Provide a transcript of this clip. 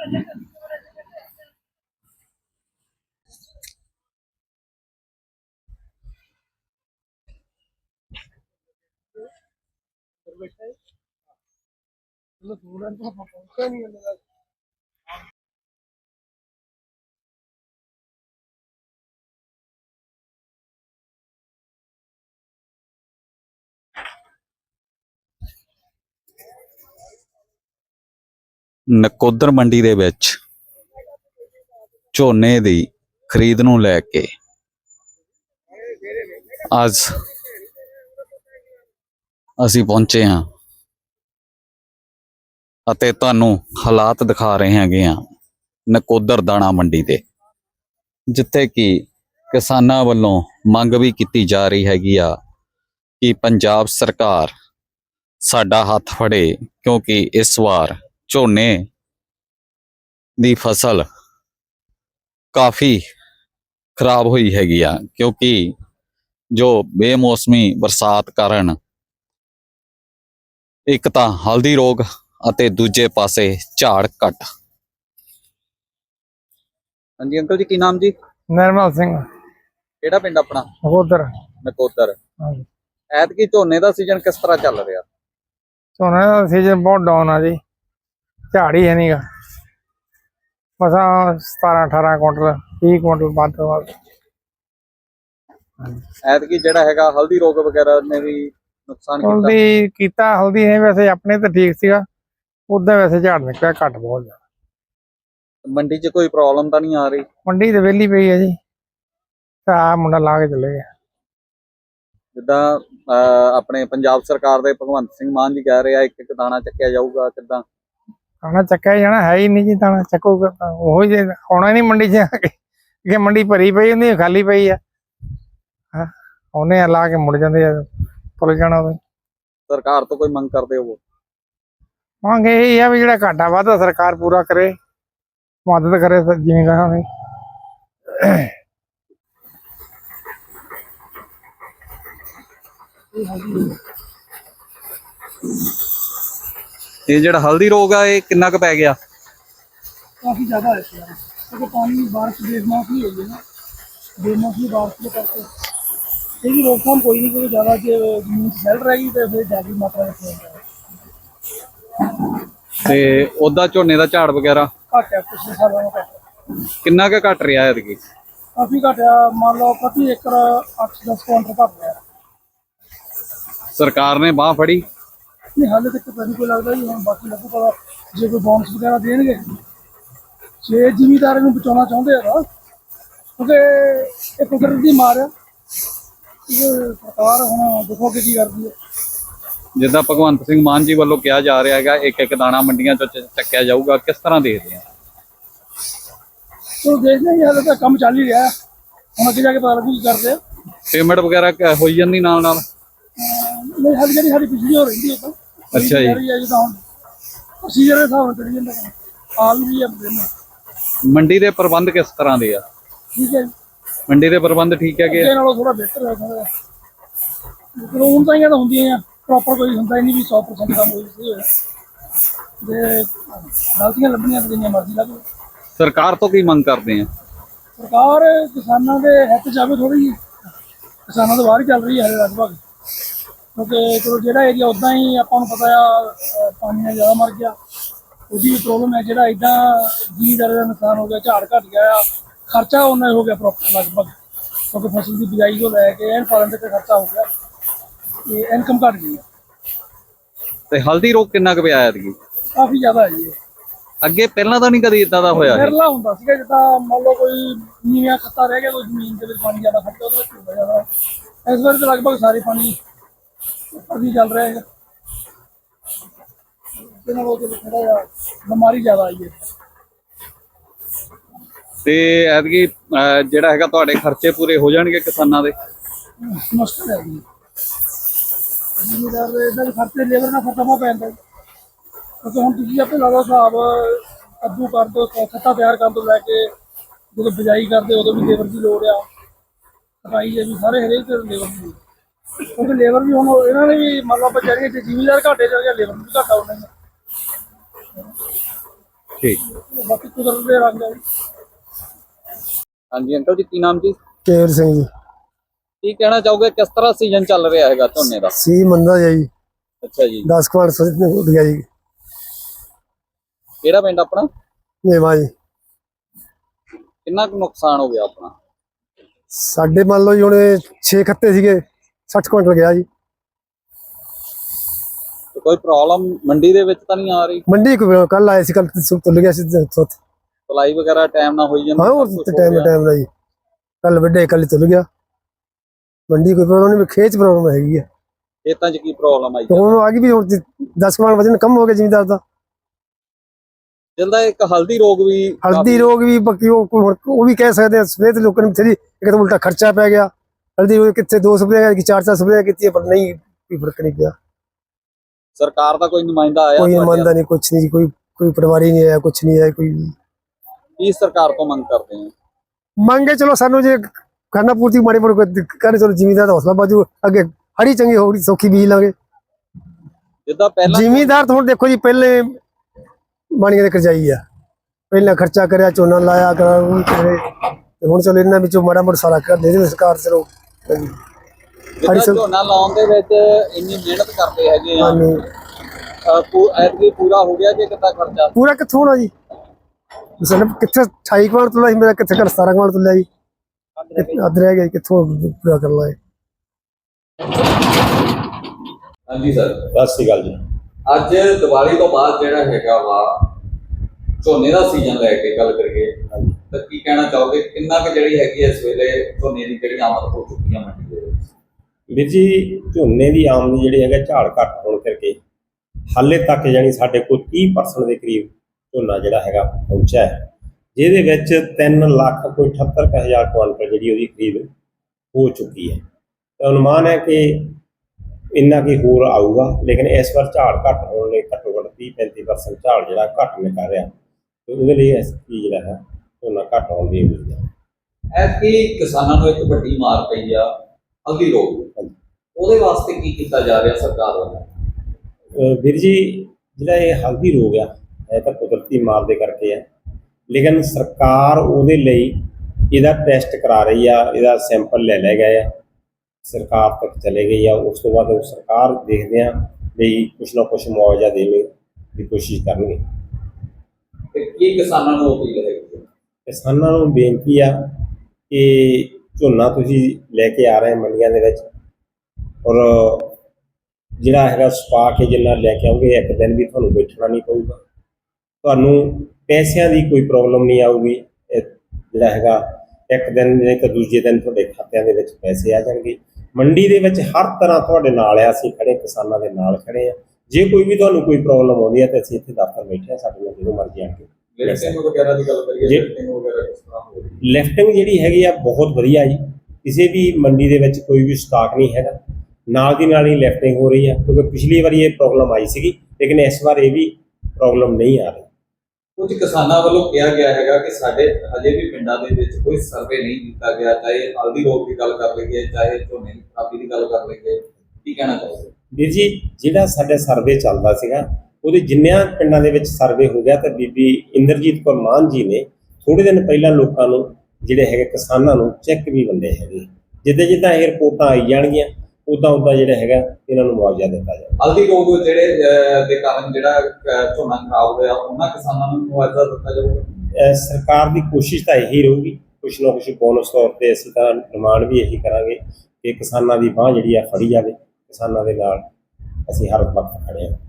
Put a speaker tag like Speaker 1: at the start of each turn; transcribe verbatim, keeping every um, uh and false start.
Speaker 1: ਨਕੋਦਰ ਮੰਡੀ ਦੇ ਵਿੱਚ ਝੋਨੇ ਦੀ ਖਰੀਦ ਨੂੰ ਲੈ ਕੇ ਅੱਜ ਅਸੀਂ ਪਹੁੰਚੇ ਹਾਂ ਅਤੇ ਤੁਹਾਨੂੰ ਹਾਲਾਤ ਦਿਖਾ ਰਹੇ ਹੈਗੇ ਆ ਨਕੋਦਰ ਦਾਣਾ ਮੰਡੀ ਦੇ, ਜਿੱਥੇ ਕਿ ਕਿਸਾਨਾਂ ਵੱਲੋਂ ਮੰਗ ਵੀ ਕੀਤੀ ਜਾ ਰਹੀ ਹੈਗੀ ਆ ਕਿ ਪੰਜਾਬ ਸਰਕਾਰ ਸਾਡਾ ਹੱਥ ਫੜੇ, ਕਿਉਂਕਿ ਇਸ ਵਾਰ ਝੋਨੇ ਦੀ ਫਸਲ ਕਾਫੀ ਖਰਾਬ ਹੋਈ ਹੈਗੀ ਆ, ਕਿਉਂਕਿ ਜੋ ਬੇਮੌਸਮੀ ਬਰਸਾਤ ਕਾਰਨ ਇੱਕ ਤਾਂ ਹਲਦੀ ਰੋਗ ਅਤੇ ਦੂਜੇ ਪਾਸੇ ਝਾੜ ਘਟ। ਹਾਂਜੀ ਅੰਕਲ ਜੀ, ਕੀ ਨਾਮ ਜੀ?
Speaker 2: ਨਿਰਮਲ ਸਿੰਘ।
Speaker 1: ਕਿਹੜਾ ਪਿੰਡ ਆਪਣਾ?
Speaker 2: ਨਕੋਦਰ।
Speaker 1: ਨਕੋਦਰ। ਐਤਕੀ ਝੋਨੇ ਦਾ ਸੀਜ਼ਨ ਕਿਸ ਤਰ੍ਹਾਂ ਚੱਲ ਰਿਹਾ?
Speaker 2: ਝੋਨੇ ਦਾ ਸੀਜ਼ਨ ਬਹੁਤ ਡਾਊਨ ਆ ਜੀ, ਝਾੜ ਹੀ ਹੈ ਨਹੀਂਗਾ। ਮਸਾਂ ਸਤਾਰਾਂ ਅਠਾਰਾਂ ਕੁਇੰਟਲ ਵੀਹ ਕੁਇੰਟਲ ਵੱਧ ਤੋਂ ਵੱਧ।
Speaker 1: ਐਤਕੀ ਜਿਹੜਾ ਹੈਗਾ ਹਲਦੀ ਰੋਗ ਵਗੈਰਾ ਨੇ ਵੀ ਨੁਕਸਾਨ ਕੀਤਾ?
Speaker 2: ਹਲਦੀ ਕੀਤਾ, ਹਲਦੀ ਨੇ ਵੈਸੇ ਆਪਣੇ ਤਾਂ ਠੀਕ ਸੀਗਾ, ਉਦਾਂ ਵੈਸੇ ਝਾੜ ਨਿਕਲਿਆ ਘੱਟ ਬਹੁਤ ਜ਼ਿਆਦਾ।
Speaker 1: ਮੰਡੀ 'ਚ ਕੋਈ ਪ੍ਰੋਬਲਮ ਤਾਂ ਨਹੀਂ ਆ ਰਹੀ?
Speaker 2: ਮੰਡੀ ਤੇ ਵਿਹਲੀ ਪਈ ਹੈ ਜੀ, ਆ ਮੁੰਡਾ ਲਾ ਕੇ ਚਲੇ ਗਿਆ।
Speaker 1: ਜਿੱਦਾਂ ਆਪਣੇ ਪੰਜਾਬ ਸਰਕਾਰ ਦੇ ਭਗਵੰਤ ਸਿੰਘ ਮਾਨ ਜੀ ਕਹਿ ਰਹੇ ਆ ਇੱਕ ਇੱਕ ਦਾਣਾ ਚੱਕਿਆ ਜਾਊਗਾ, ਕਿੱਦਾਂ?
Speaker 2: ਦਾਣਾ ਚੱਕਿਆ ਜਾਣਾ ਹੈ ਹੀ ਨਹੀਂ ਜੀ, ਦਾਣਾ ਚੱਕੂਗਾ ਤਾਂ ਉਹੋ ਜੇ ਆਉਣਾ ਨਹੀਂ ਮੰਡੀ 'ਚ ਆ ਕੇ, ਕਿ ਮੰਡੀ ਭਰੀ ਪਈ ਹੁੰਦੀ ਖਾਲੀ ਪਈ ਆ, ਹਾਂ ਉਹਨੇ ਲਾ ਕੇ ਮੁੜ ਜਾਂਦੇ ਆ, ਤੁਲ ਜਾਣਾ। ਉਹ
Speaker 1: ਸਰਕਾਰ ਤੋਂ ਕੋਈ ਮੰਗ ਕਰਦੇ ਹੋ?
Speaker 2: ਮੰਗ ਇਹ ਆ ਵੀ ਜਿਹੜਾ ਘਾਟਾ ਵਾਧਾ ਸਰਕਾਰ ਪੂਰਾ ਕਰੇ, ਮਦਦ ਕਰੇ ਜ਼ਿਮੀਂਦਾਰਾਂ ਦੀ।
Speaker 1: ਇਹ ਜਿਹੜਾ ਹਲਦੀ ਰੋਗ ਆ ਇਹ ਕਿੰਨਾ ਕੁ ਪੈ ਗਿਆ?
Speaker 3: काफी ज्यादा है यार, क्योंकि पानी बारिश बेमौसमी हुई है ना, बेमौसमी बारिश के करके यही रोकथाम कोई नहीं, क्योंकि ज्यादा जो जमीन फैल रहेगी तो फिर ज्यादा मात्रा में
Speaker 1: ਤੇ ਉਹਦਾ ਝੋਨੇ ਦਾ ਝਾੜ ਵਗੈਰਾ
Speaker 3: घट है। पिछले सालों में घट
Speaker 1: ਕਿੰਨਾ ਕੁ ਘਟ ਰਿਹਾ ਐਤਕੀ?
Speaker 3: काफी घट है, मान लो प्रति एकड़ अठ दस क्विंटल घट रहा है।
Speaker 1: ਸਰਕਾਰ ਨੇ ਬਾਹ ਫੜੀ?
Speaker 3: नहीं हाले तक तो नहीं कोई लगता जी, हम बाकी लगू पता जो कोई बोनस वगैरह देंगे जे जिमीदार ਨੂੰ ਬਚਾਉਣਾ ਚਾਹੁੰਦੇ ਆ, ਕਿਉਂकि ਇਹ ਕੁਦਰਤ ਦੀ ਮਾਰ ਹੈ। ਇਹ ਸਰਕਾਰ ਹੁਣ ਦੇਖੋ ਕੀ ਕਰਦੀ ਹੈ।
Speaker 1: ਜਿੱਦਾਂ ਭਗਵੰਤ ਸਿੰਘ ਮਾਨ ਜੀ ਵੱਲੋਂ ਕਿਹਾ ਜਾ ਰਿਹਾ ਹੈਗਾ ਇੱਕ ਇੱਕ ਦਾਣਾ ਮੰਡੀਆਂ ਚੋਂ ਚੱਕਿਆ ਜਾਊਗਾ, ਕਿਸ ਤਰ੍ਹਾਂ ਦੇਖਦੇ ਆ?
Speaker 3: ਚਲੋ ਦੇਖਦੇ ਹਾਂ, ਹਾਲੇ ਤਾਂ ਕੰਮ ਚੱਲ ਹੀ ਰਿਹਾ, ਹੁਣ ਅੱਗੇ ਜਾ ਕੇ ਪਤਾ ਲੱਗੂ ਕੀ ਕਰਦੇ ਆ।
Speaker 1: ਪੇਮੈਂਟ ਵਗੈਰਾ ਹੋਈ ਜਾਂਦੀ ਨਾਲ ਨਾਲ?
Speaker 3: ਨਹੀਂ ਹਾਲੇ ਜਿਹੜੀ ਸਾਡੀ ਪਿਛਲੀ ਹੋ ਰਹੀ ਹੈ ਤਾਂ
Speaker 1: ਅੱਛਾ ਜੀ,
Speaker 3: ਜਿੱਦਾਂ ਹੁਣ ਪ੍ਰੋਸੀਜਰ ਦੇ ਹਿਸਾਬ ਨਾਲ ਚੱਲੀ ਜਾਂਦਾ ਕੰਮ, ਹਾਲ ਵੀ ਆ।
Speaker 1: ਮੰਡੀ ਦੇ ਪ੍ਰਬੰਧ ਕਿਸ ਤਰ੍ਹਾਂ ਦੇ ਆ?
Speaker 3: ਠੀਕ ਹੈ ਜੀ,
Speaker 1: ਮੰਡੀ ਦੇ ਪ੍ਰਬੰਧ ਠੀਕ ਹੈਗੇ?
Speaker 3: ਅੱਗੇ ਨਾਲੋਂ ਥੋੜਾ ਬਿਹਤਰ ਹੈ ਥੋੜਾ, ਕਾਨੂੰਨ ਤਾਂ ਇਹਨਾਂ ਦਾ ਹੁੰਦੀਆਂ ਆ, ਪ੍ਰੋਪਰ ਕੋਈ ਹੁੰਦਾ ਹੀ ਨਹੀਂ ਵੀ ਸੌ ਪਰਸੈਂਟ ਕੰਮ ਹੋਈ ਸਹੀ ਹੋਇਆ, ਜੇ ਗਲਤੀਆਂ ਲੱਭਣੀਆਂ ਤਾਂ ਜਿੰਨੀਆਂ ਮਰਜ਼ੀ ਲੱਭ।
Speaker 1: ਸਰਕਾਰ ਤੋਂ ਕੀ ਮੰਗ ਕਰਦੇ ਆ?
Speaker 3: ਸਰਕਾਰ ਕਿਸਾਨਾਂ ਦੇ ਹਿੱਤ ਜਾਵੇ ਥੋੜੀ ਜਿਹੀ, ਕਿਸਾਨਾਂ ਤੋਂ ਬਾਹਰ ਹੀ ਚੱਲ ਰਹੀ ਹੈ ਹਲੇ ਲਗਭਗ, ਕਿਉਂਕਿ ਚਲੋ ਜਿਹੜਾ ਏਰੀਆ ਉੱਦਾਂ ਹੀ ਆਪਾਂ ਨੂੰ ਪਤਾ ਆ ਪਾਣੀ ਨਾਲ ਜ਼ਿਆਦਾ ਮਰ ਗਿਆ, ਉਹਦੀ ਵੀ ਪ੍ਰੋਬਲਮ ਹੈ। ਜਿਹੜਾ ਇੱਦਾਂ ਜ਼ਿਮੀਂਦਾਰ ਦਾ ਨੁਕਸਾਨ ਹੋ ਗਿਆ, ਝਾੜ ਘਟ ਗਿਆ ਆ, ਖਰਚਾ ਉਹਨਾਂ ਹੋ ਗਿਆ ਪ੍ਰੋਪਰ ਲਗਭਗ, ਕਿਉਂਕਿ ਫਸਲ ਦੀ ਬਿਜਾਈ ਤੋਂ ਲੈ ਕੇ ਐਨ ਪਾਲਣ ਤੱਕ ਖਰਚਾ ਹੋ ਗਿਆ, ਤੇ ਇਨਕਮ ਘਟ ਗਈ ਹੈ।
Speaker 1: ਤੇ ਹਲਦੀ ਰੋਗ ਕਿੰਨਾ ਕੁ ਪਿਆ ਐਤਕੀ?
Speaker 3: ਕਾਫੀ ਜ਼ਿਆਦਾ ਹੈ ਜੀ।
Speaker 1: ਅੱਗੇ ਪਹਿਲਾਂ ਤਾਂ ਨਹੀਂ ਕਦੀ ਇਦਾਂ ਦਾ ਹੋਇਆ?
Speaker 3: ਪਹਿਲਾਂ ਹੁੰਦਾ ਸੀਗਾ ਜਿੱਦਾਂ ਮੰਨ ਲਓ ਕੋਈ ਨੀਵੀਆਂ ਖੱਤਾ ਰਹਿ ਗਿਆ, ਕੋਈ ਜ਼ਮੀਨ ਦੇ ਵਿੱਚ ਪਾਣੀ ਜ਼ਿਆਦਾ ਖੜਦਾ ਉਹਦੇ ਵਿੱਚ ਹੁੰਦਾ ਜ਼ਿਆਦਾ। ਇਸ ਵਾਰ ਤਾਂ ਲਗਭਗ ਸਾਰੇ ਪਾਣੀ ਉੱਪਰ ਦੀ ਚੱਲ ਰਿਹਾ ਹੈਗਾ, ਇਹਦੇ ਨਾਲ ਉਹ ਥੋੜਾ ਜਿਹਾ ਬਿਮਾਰੀ ਜ਼ਿਆਦਾ ਆਈ ਹੈ।
Speaker 1: ਤੇ ਐਤਕੀ ਜਿਹੜਾ ਹੈਗਾ ਤੁਹਾਡੇ ਖਰਚੇ ਪੂਰੇ ਹੋ ਜਾਣਗੇ ਕਿਸਾਨਾਂ ਦੇ?
Speaker 3: ਮੁਸ਼ਕਿਲ ਹੈ ਜੀ, ਜ਼ਿਮੀਂਦਾਰ ਦੇ ਇਹਦਾ ਖਰਚੇ ਲੇਬਰ ਨਾਲ ਖਤਮ ਹੋ ਪੈਂਦਾ, ਕਿਉਂਕਿ ਹੁਣ ਤੁਸੀਂ ਆਪੇ ਲਾ ਲਓ ਹਿਸਾਬ, ਕੱਦੂ ਕਰ ਦਿਓ, ਖੱਤਾ ਤਿਆਰ ਕਰਨ ਤੋਂ ਲੈ ਕੇ ਜਦੋਂ ਬਿਜਾਈ ਕਰਦੇ ਉਦੋਂ ਵੀ ਲੇਬਰ ਦੀ ਲੋੜ ਆ, ਕਟਾਈ ਹੈ ਵੀ ਸਾਰੇ ਹਰੇਕ ਤੇ ਲੇਬਰ ਦੀ, ਕਿਉਂਕਿ ਲੇਬਰ ਵੀ ਹੁਣ ਇਹਨਾਂ ਨੇ ਵੀ ਮੰਨ ਲਓ ਆਪਾਂ ਚਾਹੀਏ ਜੇ ਜ਼ਿਮੀਂਦਾਰ ਘਾਟੇ ਚੱਲ ਗਿਆ, ਲੇਬਰ ਵੀ ਘਾਟਾ ਹੋਣਾ।
Speaker 1: ਠੀਕ।
Speaker 3: ਬਾਕੀ ਕੁਦਰਤ ਦੇ ਰੰਗ ਆ ਜੀ।
Speaker 1: ਹਾਂਜੀ ਅੰਕਲ ਜੀ, ਕੀ ਨਾਮ ਜੀ?
Speaker 2: ਕੇਰ ਸਿੰਘ ਜੀ।
Speaker 1: ਕੀ ਕਹਿਣਾ ਚਾਹੋਗੇ, ਕਿਸ ਤਰ੍ਹਾਂ ਸੀਜ਼ਨ ਚੱਲ ਰਿਹਾ ਹੈਗਾ ਝੋਨੇ ਦਾ?
Speaker 2: ਸੀ ਮੰਦਾ ਜੀ
Speaker 1: ਅੱਛਾ ਜੀ,
Speaker 2: ਦਸ ਕੁਆਂਟ ਸੋਚ ਨੇ ਉੱਡ ਗਿਆ ਜੀ।
Speaker 1: ਕਿਹੜਾ ਪਿੰਡ ਆਪਣਾ?
Speaker 2: ਮੇਵਾ ਜੀ
Speaker 1: ਕਿੰਨਾ ਕੁ ਨੁਕਸਾਨ ਹੋ ਗਿਆ ਆਪਣਾ?
Speaker 2: ਸਾਡੇ ਮੰਨ ਲਓ ਜੀ ਹੁਣ ਛੇ ਖੱਤੇ ਸੀਗੇ, ਸੱਠ ਕੁਆਂਟਲ ਗਿਆ ਜੀ।
Speaker 1: ਤੇ ਕੋਈ ਪ੍ਰੋਬਲਮ ਮੰਡੀ ਦੇ ਵਿੱਚ ਤਾਂ ਨਹੀਂ ਆ ਰਹੀ?
Speaker 2: ਮੰਡੀ ਕੋਈ ਕੱਲ ਆਏ ਸੀ, ਕੱਲ ਤੁੱਲ ਗਿਆ ਸੀ ਸੁੱਤ।
Speaker 1: ਸਪਲਾਈ ਵਗੈਰਾ ਟਾਈਮ ਨਾਲ ਹੋਈ ਜਾਂਦੀ?
Speaker 2: ਹਾਂ ਉਹ ਟਾਈਮ ਟਾਈਮ ਦਾ ਜੀ, ਕੱਲ ਵੱਡੇ ਕੱਲ ਤੁੱਲ ਗਿਆ। ਮੰਡੀ ਕੋਈ ਪ੍ਰੋਬਲਮ ਨਹੀਂ, ਖੇਚ ਪ੍ਰੋਬਲਮ ਹੈਗੀ ਆ।
Speaker 1: ਖੇਤਾਂ 'ਚ ਕੀ ਪ੍ਰੋਬਲਮ ਆਈ?
Speaker 2: ਹੁਣ ਆ ਗਈ ਵੀ ਹੁਣ ਦਸ ਕੁਆਂਟਲ ਵਜਨ ਕਮ ਹੋ ਗਿਆ ਜ਼ਿਮੀਦਾਰ ਦਾ।
Speaker 1: ਜਿੰਦਾ ਇੱਕ ਹਲਦੀ ਰੋਗ ਵੀ
Speaker 2: ਹਲਦੀ ਰੋਗ ਵੀ ਬਾਕੀ ਉਹ ਹੁਣ ਉਹ ਵੀ ਕਹਿ ਸਕਦੇ ਆ, ਸਪਰੇਅ ਤੇ ਲੋਕਾਂ ਨੂੰ ਬਥੇਰੀ ਇੱਕ ਤਾਂ ਉਲਟਾ ਖਰਚਾ ਪੈ ਗਿਆ। ਹਲਦੀ ਰੋਗ ਕਿੱਥੇ ਦੋ ਸਪਰੇਅ ਕਿ ਚਾਰ ਚਾਰ ਸਪਰੇਅ ਕੀਤੀ, ਪਰ ਨਹੀਂ ਕੋਈ ਫਰਕ ਨਹੀਂ ਪਿਆ।
Speaker 1: ਸਰਕਾਰ ਦਾ ਕੋਈ ਨੁਮਾਇੰਦਾ ਆਇਆ?
Speaker 2: ਕੋਈ ਨੁਮਾਇੰਦਾ ਨਹੀਂ, ਕੁਛ ਨਹੀਂ, ਕੋਈ ਕੋਈ ਪਟਵਾਰੀ ਨਹੀਂ ਆਇਆ, ਕੁਛ ਨਹੀਂ ਆਇਆ ਕੋਈ।
Speaker 1: ਕੀ ਸਰਕਾਰ ਤੋਂ ਮੰਗ ਕਰਦੇ ਹੋ?
Speaker 2: ਮੰਗੇ ਚਲੋ ਸਾਨੂੰ ਜੇ ਖਾਣਾ ਪੂਰਤੀ ਮਾੜੀ ਮੋਟੀ ਕਰੇ, ਚਲੋ ਜ਼ਿਮੀਦਾਰ ਦਾ ਹੌਸਲਾ ਬਾਜੂ, ਅੱਗੇ ਹੜੀ ਚੰਗੀ ਹੋਊਗੀ, ਸੌਖੀ ਬੀਜ ਲਾਂਗੇ।
Speaker 1: ਜਿੱਦਾਂ ਪਹਿਲਾਂ
Speaker 2: ਜ਼ਿਮੀਦਾਰ ਤਾਂ ਹੁਣ ਦੇਖੋ ਜੀ, ਪਹਿਲੇ ਬਾਣੀਆਂ ਦੇ ਕਰਜਾਈ ਆ, ਪਹਿਲਾਂ ਖਰਚਾ ਕਰਿਆ, ਝੋਨਾ ਲਾਇਆ ਕਰਾ ਤੇ ਹੁਣ ਚਲੋ ਇਹਨਾਂ ਵਿੱਚੋਂ ਮਾੜਾ ਮੋਟਾ ਸਾਰਾ ਕਰ ਦੇ ਦੇ ਸਰਕਾਰ। ਚਲੋ
Speaker 1: ਜਿੱਦਾਂ ਝੋਨਾ ਲਾਉਣ ਦੇ ਵਿੱਚ ਇੰਨੀ ਮਿਹਨਤ ਕਰਦੇ ਹੈਗੇ ਆ,
Speaker 2: ਸਾਨੂੰ
Speaker 1: ਅਹ ਪੂ- ਐਤਕੀ ਪੂਰਾ ਹੋ ਗਿਆ ਕਿ ਕਿੱਦਾਂ ਖਰਚਾ?
Speaker 2: ਪੂਰਾ ਕਿੱਥੋਂ ਹੋਣਾ ਜੀ? ਸਾਨੂੰ ਕਿੱਥੇ ਅਠਾਈ ਕੁਆਂਟਲ ਤੁਲਿਆ ਸੀ ਮੇਰਾ, ਕਿੱਥੇ ਕਰ ਸਤਾਰਾਂ ਕੁਆਂਟਲ ਤੁਲਿਆ ਜੀ। ਅੱਧ ਰਹਿ ਗਿਆ, ਕਿੱਥੋਂ ਪੂਰਾ ਕਰ ਲਾਏ।
Speaker 1: ਹਾਂਜੀ ਸਰ,
Speaker 4: ਸਤਿ ਸ਼੍ਰੀ ਅਕਾਲ ਜੀ।
Speaker 1: ਅੱਜ ਦੀਵਾਲੀ ਤੋਂ ਬਾਅਦ ਜਿਹੜਾ ਹੈਗਾ ਵਾ ਝੋਨੇ ਦਾ ਸੀਜ਼ਨ ਲੈ ਕੇ ਗੱਲ ਕਰੀਏ ਤਾਂ ਕੀ ਕਹਿਣਾ ਚਾਹੋਗੇ, ਕਿੰਨਾ ਕੁ ਜਿਹੜੀ ਹੈਗੀ ਇਸ ਵੇਲੇ ਝੋਨੇ ਦੀ ਜਿਹੜੀ ਆਮਦ ਹੋ ਚੁੱਕੀ ਹੈ ਮੰਡੀ ਦੇ ਵਿੱਚ?
Speaker 4: ਵੀਰ ਜੀ, ਝੋਨੇ ਦੀ ਆਮਦ ਜਿਹੜੀ ਹੈਗਾ ਝਾੜ ਘੱਟ ਹੋਣ ਕਰਕੇ ਹਾਲੇ ਤੱਕ ਜਾਨੀ ਸਾਡੇ ਕੋਲ ਤੀਹ ਪਰਸੈਂਟ ਦੇ ਕਰੀਬ ਝੋਨਾ ਜਿਹੜਾ ਹੈਗਾ ਪਹੁੰਚਿਆ ਹੈ, ਜਿਹਦੇ ਵਿੱਚ ਤਿੰਨ ਲੱਖ ਕੋਈ ਅਠੱਤਰ ਕੁ ਹਜ਼ਾਰ ਕੁਆਂਟਲ ਜਿਹੜੀ ਉਹਦੀ ਖਰੀਦ ਹੋ ਚੁੱਕੀ ਹੈ। ਤਾਂ ਅਨੁਮਾਨ ਹੈ ਕਿ ਇੰਨਾ ਕੀ ਹੋਰ ਆਊਗਾ, ਲੇਕਿਨ ਇਸ ਵਾਰ ਝਾੜ ਘੱਟ ਹੋਣ ਲਈ ਘੱਟੋ ਘੱਟ ਤੀਹ ਪੈਂਤੀ ਪਰਸੈਂਟ ਝਾੜ ਜਿਹੜਾ ਘੱਟ ਨਿਕਲ ਰਿਹਾ, ਤੇ ਉਹਦੇ ਲਈ ਇਸ ਕੀ ਜਿਹੜਾ ਹੈ ਝੋਨਾ ਘੱਟ ਹੋਣ ਦੀ ਉਮੀਦ ਹੈ।
Speaker 1: ਐਤਕੀ ਕਿਸਾਨਾਂ ਨੂੰ ਇੱਕ ਵੱਡੀ ਮਾਰ ਪਈ ਆ ਹਲਦੀ ਰੋਗ ਦੀ, ਉਹਦੇ ਵਾਸਤੇ ਕੀ ਕੀਤਾ ਜਾ ਰਿਹਾ ਸਰਕਾਰ ਵੱਲੋਂ?
Speaker 4: ਅਹ ਵੀਰ ਜੀ, ਜਿਹੜਾ ਇਹ ਹਲਦੀ ਰੋਗ ਆ, ਇਹ ਤਾਂ ਕੁਦਰਤੀ ਮਾਰ ਦੇ ਕਰਕੇ ਆ, ਲੇਕਿਨ ਸਰਕਾਰ ਉਹਦੇ ਲਈ ਇਹਦਾ ਟੈਸਟ ਕਰਾ ਰਹੀ ਆ, ਇਹਦਾ ਸੈਂਪਲ ਲੈ ਲੈ ਗਏ ਆ, ਸਰਕਾਰ ਤੱਕ ਚਲੇ ਗਈ ਆ। ਉਸ ਤੋਂ ਬਾਅਦ ਉਹ ਸਰਕਾਰ ਦੇਖਦੇ ਆ ਵੀ ਕੁਛ ਨਾ ਕੁਛ ਮੁਆਵਜ਼ਾ ਦੇਣ ਦੀ ਕੋਸ਼ਿਸ਼ ਕਰਨਗੇ।
Speaker 1: ਤੇ ਕੀ ਕਿਸਾਨਾਂ ਨੂੰ ਅਪੀਲ ਹੈਗੀ?
Speaker 4: ਕਿਸਾਨਾਂ ਨੂੰ ਬੇਨਤੀ ਆ ਕਿ ਝੋਨਾ ਤੁਸੀਂ ਲੈ ਕੇ ਆ ਰਹੇ ਮੰਡੀਆਂ ਦੇ ਵਿੱਚ, ਔਰ ਜਿਹੜਾ ਹੈਗਾ ਸੁਕਾ ਕੇ ਜਿੰਨਾ ਲੈ ਕੇ ਆਓਗੇ, ਇੱਕ ਦਿਨ ਵੀ ਤੁਹਾਨੂੰ ਬੈਠਣਾ ਨਹੀਂ ਪਊਗਾ, ਤੁਹਾਨੂੰ ਪੈਸਿਆਂ ਦੀ ਕੋਈ ਪ੍ਰੋਬਲਮ ਨਹੀਂ ਆਊਗੀ। ਇਹ ਜਿਹੜਾ ਹੈਗਾ ਇੱਕ ਦਿਨ ਨਹੀਂ ਤਾਂ ਦੂਜੇ ਦਿਨ ਤੁਹਾਡੇ ਖਾਤਿਆਂ ਦੇ ਵਿੱਚ ਪੈਸੇ ਆ ਜਾਣਗੇ। ਮੰਡੀ ਦੇ ਵਿੱਚ ਹਰ ਤਰ੍ਹਾਂ ਤੁਹਾਡੇ ਨਾਲ ਆ, ਅਸੀਂ ਖੜੇ ਕਿਸਾਨਾਂ ਦੇ ਨਾਲ ਖੜੇ ਆ। ਜੇ ਕੋਈ ਵੀ ਤੁਹਾਨੂੰ ਕੋਈ ਪ੍ਰੋਬਲਮ ਆਉਂਦੀ ਹੈ ਤਾਂ ਅਸੀਂ ਇੱਥੇ ਦਫ਼ਤਰ ਬੈਠੇ ਆ, ਸਾਡੇ ਨਾਲ ਜਦੋਂ ਮਰਜ਼ੀ ਆ ਕੇ।
Speaker 1: ਲਿਫਟਿੰਗ ਵਗੈਰਾ ਦੀ ਗੱਲ ਕਰੀਏ,
Speaker 4: ਜੀ।
Speaker 1: ਲਿਫਟਿੰਗ ਵਗੈਰਾ ਕਿਸ ਤਰ੍ਹਾਂ ਹੋ ਰਹੀ ਹੈ?
Speaker 4: ਲਿਫਟਿੰਗ ਜਿਹੜੀ ਹੈਗੀ ਆ ਬਹੁਤ ਵਧੀਆ ਜੀ, ਕਿਸੇ ਵੀ ਮੰਡੀ ਦੇ ਵਿੱਚ ਕੋਈ ਵੀ ਸਟਾਕ ਨਹੀਂ ਹੈਗਾ, ਨਾਲ ਦੀ ਨਾਲ ਹੀ ਲਿਫਟਿੰਗ ਹੋ ਰਹੀ ਆ, ਕਿਉਂਕਿ ਪਿਛਲੀ ਵਾਰੀ ਇਹ ਪ੍ਰੋਬਲਮ ਆਈ ਸੀਗੀ, ਲੇਕਿਨ ਇਸ ਵਾਰ ਇਹ ਵੀ ਪ੍ਰੋਬਲਮ ਨਹੀਂ ਆ ਰਹੀ।
Speaker 1: ਕੁਝ ਕਿਸਾਨਾਂ ਵੱਲੋਂ ਕਿਹਾ ਗਿਆ ਹੈਗਾ ਕਿ ਸਾਡੇ ਹਜੇ ਵੀ ਪਿੰਡਾਂ ਦੇ ਵਿੱਚ ਕੋਈ ਸਰਵੇ ਨਹੀਂ ਕੀਤਾ ਗਿਆ, ਚਾਹੇ ਹਲਦੀ ਰੋਗ ਦੀ ਗੱਲ ਕਰ ਲਈਏ, ਚਾਹੇ ਝੋਨੇ ਦੀ ਖਰਾਬੀ ਦੀ ਗੱਲ ਕਰ ਲਈਏ, ਕੀ ਕਹਿਣਾ ਚਾਹੋਗੇ?
Speaker 4: ਵੀਰ ਜੀ, ਜਿਹੜਾ ਸਾਡਾ ਸਰਵੇ ਚੱਲਦਾ ਸੀਗਾ, ਉਹਦੇ ਜਿੰਨਿਆਂ ਪਿੰਡਾਂ ਦੇ ਵਿੱਚ ਸਰਵੇ ਹੋ ਗਿਆ, ਤਾਂ ਬੀਬੀ ਇੰਦਰਜੀਤ ਕੌਰ ਮਾਨ ਜੀ ਨੇ ਥੋੜ੍ਹੇ ਦਿਨ ਪਹਿਲਾਂ ਲੋਕਾਂ ਨੂੰ ਜਿਹੜੇ ਹੈਗੇ ਕਿਸਾਨਾਂ ਨੂੰ ਚੈੱਕ ਵੀ ਵੰਡੇ ਹੈਗੇ। ਜਿੱਦਾਂ ਜਿੱਦਾਂ ਇਹ ਰਿਪੋਰਟਾਂ ਆਈ ਜਾਣਗੀਆਂ, ਉੱਦਾਂ ਉੱਦਾਂ ਜਿਹੜਾ ਹੈਗਾ ਇਹਨਾਂ ਨੂੰ ਮੁਆਵਜ਼ਾ ਦਿੱਤਾ ਜਾਵੇ।
Speaker 1: ਹਲਦੀ ਰੋਗ ਜਿਹੜੇ ਅਹ, ਦੇ ਕਾਰਨ ਜਿਹੜਾ ਅਹ, ਝੋਨਾ ਖਰਾਬ ਹੋਇਆ, ਉਹਨਾਂ ਕਿਸਾਨਾਂ ਨੂੰ ਮੁਆਵਜ਼ਾ ਦਿੱਤਾ ਜਾਊਗਾ?
Speaker 4: ਅਹ ਸਰਕਾਰ ਦੀ ਕੋਸ਼ਿਸ਼ ਤਾਂ ਇਹੀ ਰਹੂਗੀ, ਕੁਛ ਨਾ ਕੁਛ ਬੋਨਸ ਤੌਰ ਤੇ ਅਸੀਂ ਤਾਂ ਡਿਮਾਂਡ ਵੀ ਇਹੀ ਕਰਾਂਗੇ ਕਿ ਕਿਸਾਨਾਂ ਦੀ ਬਾਂਹ ਜਿਹੜੀ ਆ ਫੜੀ ਜਾਵੇ। ਕਿਸਾਨਾਂ ਦੇ ਨਾਲ ਅਸੀਂ ਹਰ ਵਕਤ ਖੜੇ ਹਾਂ।